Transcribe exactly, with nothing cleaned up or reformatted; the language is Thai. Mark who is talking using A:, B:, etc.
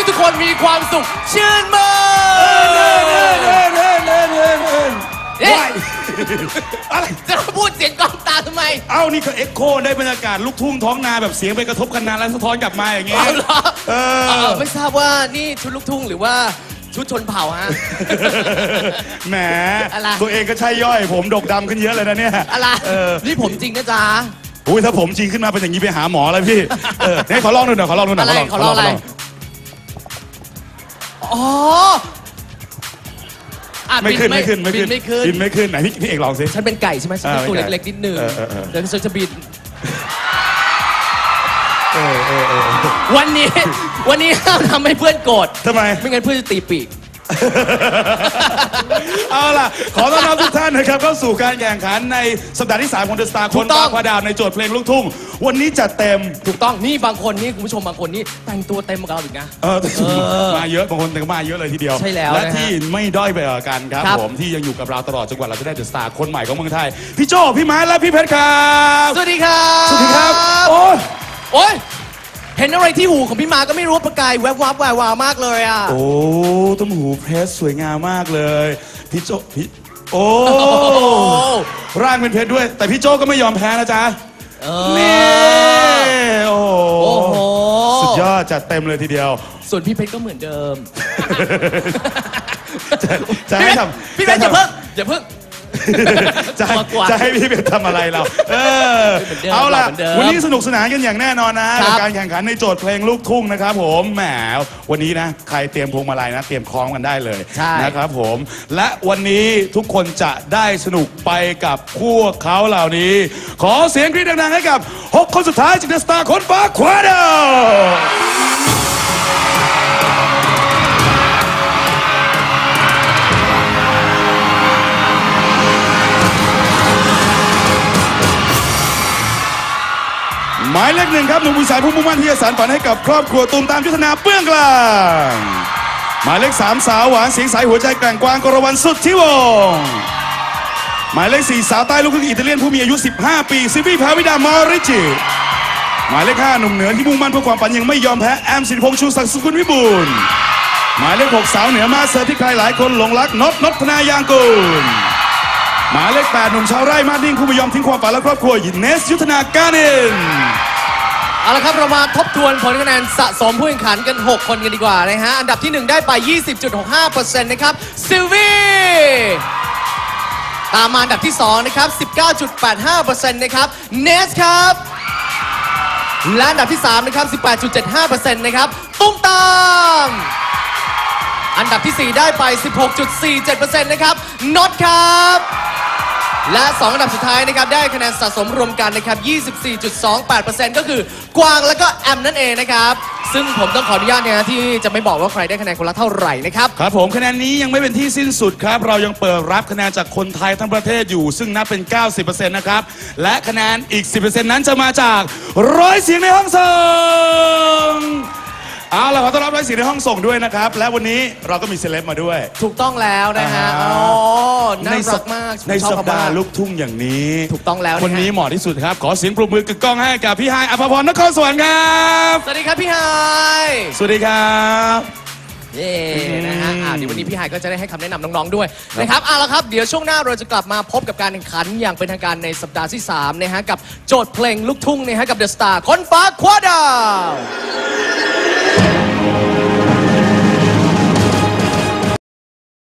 A: ทุกคนมีความสุขชื่นมื่นเอ๊ะอะไรจะพูดเสียงกองตาทำไม
B: เอ้านี่ก็เอ็กโคได้บรรยากาศลูกทุ่งท้องนาแบบเสียงไปกระทบกันนานแล้วสะท้อนกลับมาอย่างเงี้ย
A: เออไม่ทราบว่านี่ชุดลูกทุ่งหรือว่าชุดชนเผ่าฮะ
B: แหมตัวเองก็ใช่ย่อยผมดกดำขึ้นเยอะเลยนะเนี่ย
A: อะไรนี่ผมจริงนะจ๊ะ
B: อุ้ยถ้าผมจริงขึ้นมาเป็นอย่างนี้ไปหาหมอเลยพี่เออนี่ขอลองดูหน่อยขอลองดูหน่อย
A: อะไรขอลองอะไรอ๋อ
B: ไม่ขึ้นไม่ขึ้นไม่ขึ้นไม่ขึ้นบินไม่ขึ้นไหนพี่พี่เอกลองสิ
A: ฉันเป็นไก่ใช่ไหมฉันเป็นตัวเล็กๆนิดนึงเดี๋ยวฉันจะบินวันนี้วันนี้ห้ามทำให้เพื่อนโกรธ
B: ทำไม
A: ไม่งั้นเพื่อนจะตีปีก
B: เอาล่ะขอต้อนรับทุกท่านนะครับเข้าสู่การแข่งขันในสัปดาห์ที่สามของ The Star คนฟ้าคว้าดาวในโจทย์เพลงลูกทุ่งวันนี้จัดเต็ม
A: ถูกต้องนี่บางคนนี่คุณผู้ชมบางคนนี่แต่งตัวเต็มกับเราอีกนะ
B: เออมาเยอะบางคนแต่ก็มาเยอะเลยทีเดียว
A: ใช่แล้ว
B: และที่ไม่ด้อยไปกว่ากันครับผมที่ยังอยู่กับเราตลอดจนกว่าเราจะได้ The Star คนใหม่ของเมืองไทยพี่โจพี่ไม้และพี่เพชรครับ
A: สวัสดีครับ
B: สวัสดีครับโอ้ย
A: โอ้ยเห็นอะไรที่หูของพี่มาก็ไม่รู้ประกายแวบวับแวววาวมากเลยอ่ะ
B: โอ้ต้มหูเพชรสวยงามมากเลยพี่โจพี่โอ้ร่างเป็นเพชรด้วยแต่พี่โจก็ไม่ยอมแพ้นะจ๊ะนี่โอ้โหสุดยอดจัดเต็มเลยทีเดียว
A: ส่วนพี่เพชรก็เหมือนเดิม
B: จะให้ทำ
A: พี่เพชรอย่าเพิ่งอย่าเพิ่ง
B: จะจะให้พี่เป็นทำอะไรเราเออเอาล่ะวันนี้สนุกสนานกันอย่างแน่นอนนะกับการแข่งขันในโจทย์เพลงลูกทุ่งนะครับผมแหมวันนี้นะใครเตรียมพวงมาลัยนะเตรียมคล้องกันได้เลยนะครับผมและวันนี้ทุกคนจะได้สนุกไปกับพวกเขาเหล่านี้ขอเสียงกรี๊ดดังๆให้กับหกคนสุดท้ายจาก The Star คนฟ้าคว้าดาวหมายเลขหนึ่งครับหนุ่มผู้ชายผู้มุ่งมั่นที่จะสานฝันให้กับครอบครัวตูมตามยุทธนาเปื้องกลางหมายเลขสามสาวหวานเสียงใสหัวใจแกร่งกวางกรวันสุดที่วงหมายเลขสี่สาวใต้ลูกครึ่งอิตาเลียนผู้มีอายุสิบห้าปีซิฟี่ภาวิดามอริจิหมายเลขห้าหนุ่มเหนือที่มุ่งมั่นเพื่อความฝันยังไม่ยอมแพ้แอมสิริพงษ์ชูศักดิ์สุขุนวิบูลย์หมายเลขหกสาวเหนือมาเซอร์ที่ใครหลายคนหลงรักนพนพธนายางกูลหมายเลขแปดหนุ่มชาวไร่มาดิ้งผู้ไม่ยอมทิ้งความฝันและครอบครัวยินเนสยุทธนาการิน
A: เอาละครับเรามาทบทวนผลคะแนนสะสมผู้แข่งขันกันหกคนกันดีกว่านะฮะอันดับที่หนึ่งได้ไป ยี่สิบจุดหกห้าเปอร์เซ็นต์ นะครับซิลวี่ตามมาอันดับที่สองนะครับ สิบเก้าจุดแปดห้าเปอร์เซ็นต์ นะครับเนสครับและอันดับที่สามนะครับ สิบแปดจุดเจ็ดห้าเปอร์เซ็นต์ นะครับตุ้มตามอันดับที่สี่ได้ไป สิบหกจุดสี่เจ็ดเปอร์เซ็นต์ นะครับน็อตครับและสองอันดับสุดท้ายนะครับได้คะแนนสะสมรวมกันนะครับ ยี่สิบสี่จุดสองแปดเปอร์เซ็นต์ ก็คือกวางและก็แอมนั่นเองนะครับซึ่งผมต้องขออนุญาตนะที่จะไม่บอกว่าใครได้คะแนนคนละเท่าไหร่นะครับ
B: ครับผมคะแนนนี้ยังไม่เป็นที่สิ้นสุดครับเรายังเปิดรับคะแนนจากคนไทยทั้งประเทศอยู่ซึ่งนับเป็น เก้าสิบเปอร์เซ็นต์ นะครับและคะแนนอีก สิบเปอร์เซ็นต์ นั้นจะมาจากร้อยเสียงในห้องส่งเอาล่ะขอต้อนรับร้อยเสียงในห้องส่งด้วยนะครับและวันนี้เราก็มีเซเลบมาด้วย
A: ถูกต้องแล้วนะฮะอ๋อน่ารักมาก
B: ในสัปดาห์ลูกทุ่งอย่างนี้
A: ถูกต้องแล้ว
B: คนนี้เหมาะที่สุดครับขอเสียงปรบมือกึกก้องให้กับพี่ไฮอภพรนครสวรรค์ครับ
A: สวัสดีครับพี่ไฮ
B: สวัสดีครับ
A: เย้นะฮะอ่าเดี๋ยววันนี้พี่ไฮก็จะได้ให้คำแนะนำน้องๆด้วยนะครับเอาละครับเดี๋ยวช่วงหน้าเราจะกลับมาพบกับการแข่งขันอย่างเป็นทางการในสัปดาห์ที่สามนะฮะกับโจทย์เพลงลูกทุ่งนะฮะกับ The Star คนฟ้าคว้าดาว